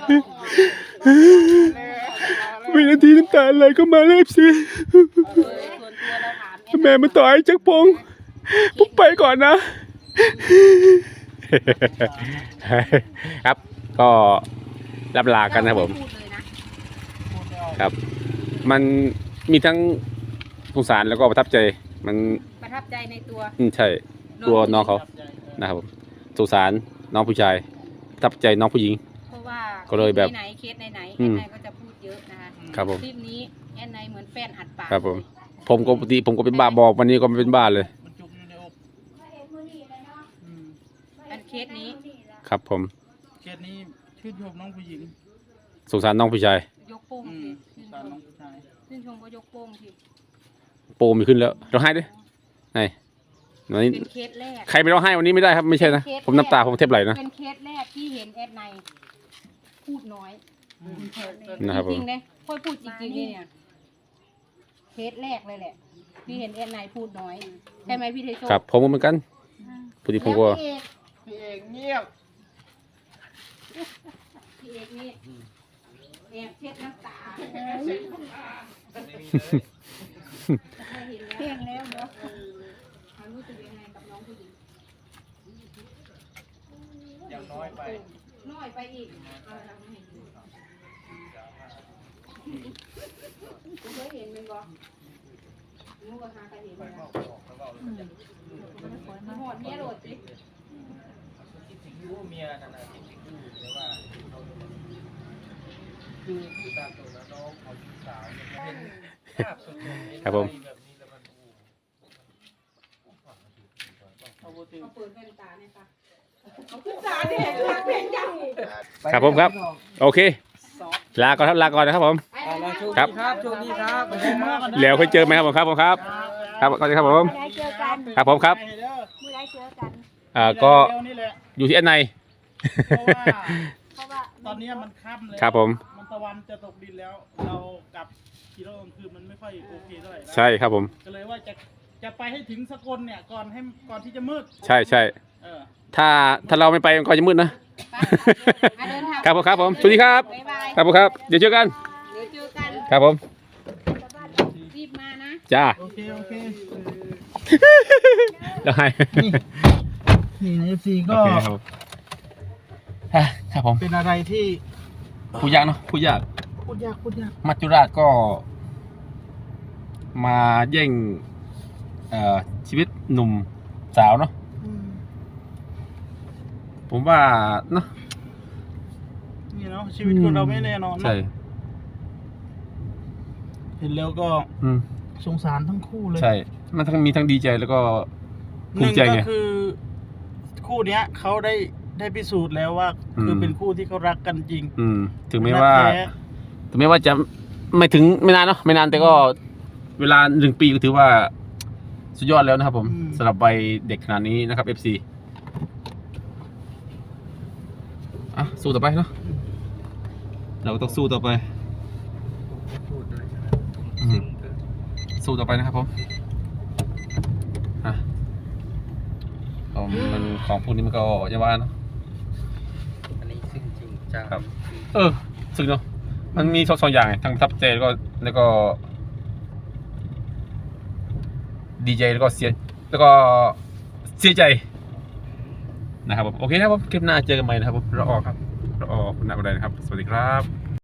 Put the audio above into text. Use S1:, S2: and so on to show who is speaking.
S1: วินาทีน้ำตาไหลก็มาเลยสิแม่มาต่อยจักรพงศ์ผมไปก่อนนะครับก็รับลากันนะครับผมครับมันมีทั้งสงสารแล้วก็ประทับใจมัน
S2: ประทับใจในตัว
S1: ใช่ตัวน้องเขานะครับผมสงสารน้องผู้ชายประทับใจน้องผู้หญิง
S2: เพราะว่า
S1: ก็เลยแบบ
S2: ไหนเคสไหนแอนไนก็จะพูดเยอะนะคะ
S1: ครับผม
S2: คลิปนี้แอนไนเหมือนแป้นอัดปาก
S1: ครับผมก็ปกติผมก็เป็นบ้าบอกวันนี้ก็ไม่เป็นบ้าเลย
S2: อันเคสนี้
S1: ครับผม
S3: เคสนี้ชื่นชมน้องผู้หญิง
S1: สงสารน้องผู้ชาย
S2: ยกโป้งสิชื่นชมก็ยกโป้งสิ
S1: โป้มีขึ้นแล้วร้องไห้ด้วยไหนวันนี้
S2: เป็นเคสแรก
S1: ใครไม่ร้องไห้วันนี้ไม่ได้ครับไม่ใช่นะผมน้ำตาผมเทบไหลนะ
S2: เป็นเคสแรกที่เห็นแอดไนพูดน้อย
S1: นะครับ
S2: จริงๆเลยค่อยพูดจริงๆนี่เนี่ยเคสแรกเลยแหละที่เห็นแอดไนพูดน้อยใช่ไหมพี่เทโช
S1: ครับผมเหมือนกันพอดีผมก็
S3: พี่เอกเงียบ
S2: พี่เอกนี่แอบเช็ดน้ำตาเพียงแล้วเนาะรู้สึกยังไงกับน้องผู้หญิง
S3: ยังน้อยไป
S2: อีกคุณเคยเห็นมั้ยบ่นู้ก็หากันเห็นนะหอดเมียโดดสิ
S3: เมียขนาดที่แต่ว่าคือผู้ตามตัวน้องเขาสาวเป็นภาพสุด
S1: ครับผม
S2: เอาเปิดแว่นตาเนี่ยค่ะเอาขึ้นตาเนี่ยเห็นยัง
S1: ครับผมครับโอเคลาก่อนนะครับผมครับ
S3: โชคดีครับ
S1: แล้วเคยเจอไหมครับผมครับครับก่อนครับผมครับผมครับ
S2: เมื่อไรเจอกัน
S1: ก็อยู่ที่อันใน
S3: เพราะว่าตอนนี้มันค่ำเลย
S1: ครับผม
S3: มันตะวันจะตกดินแล้วเรากลับขี่รถกลางคืนมันไม่ค่อยโอเคเท่าไหร่
S1: ใช่ครับผม
S3: ก็เลยว่าจะไปให้ถึงสกลเนี่ยก่อนที่จะมืด
S1: ใช่ถ้าเราไม่ไปมันก็จะมืดนะครับผมสวัสดีครับครับผมครับเดี๋ยวเจอกันครับผม
S2: รีบมานะ
S1: จ้า
S3: โอเค
S1: ได้
S3: นี่ใน FC ก็
S1: ครับผม
S3: เป็นอะไรที่
S1: พูดยากเนาะพูดยากมัจจุราชก็มาแย่งชีวิตหนุ่มสาวเนาะผมว่าเนาะ
S3: นี่เนาะชีวิตคนเราไม่แน่นอน
S1: ใช่
S3: เห็นแล้วก็สงสารทั้งคู่เลย
S1: ใช่มันทั้งมีทั้งดีใจแล้วก็ภูมิใจไง
S3: ก็คือคู่เนี้ยเขาได้พิสูจน์แล้วว่าคือเป็นคู่ที่เขารักกันจริง
S1: ถึงแม้ว่าจะไม่นานเนาะไม่นานแต่ก็เวลา1 ปีก็ถือว่าสุดยอดแล้วนะครับผมสำหรับวัยเด็กขนาดนี้นะครับ FC สู้ต่อไปเนาะเราก็ต้องสู้ต่อไปสู้ต่อไปนะครับผมมันของพวกนี้มันก็อย่าว่าเนาะ
S3: อันนี้ซึ่งจริงจัง
S1: ครับซึ่งเนาะมันมี2 อย่างทั้งประทับใจแล้วก็ดีใจแล้วก็เสียใจนะครับผมโอเคครับผมคลิปหน้าเจอกันใหม่นะครับผมรอคุณนักอะไรนะครับสวัสดีครับ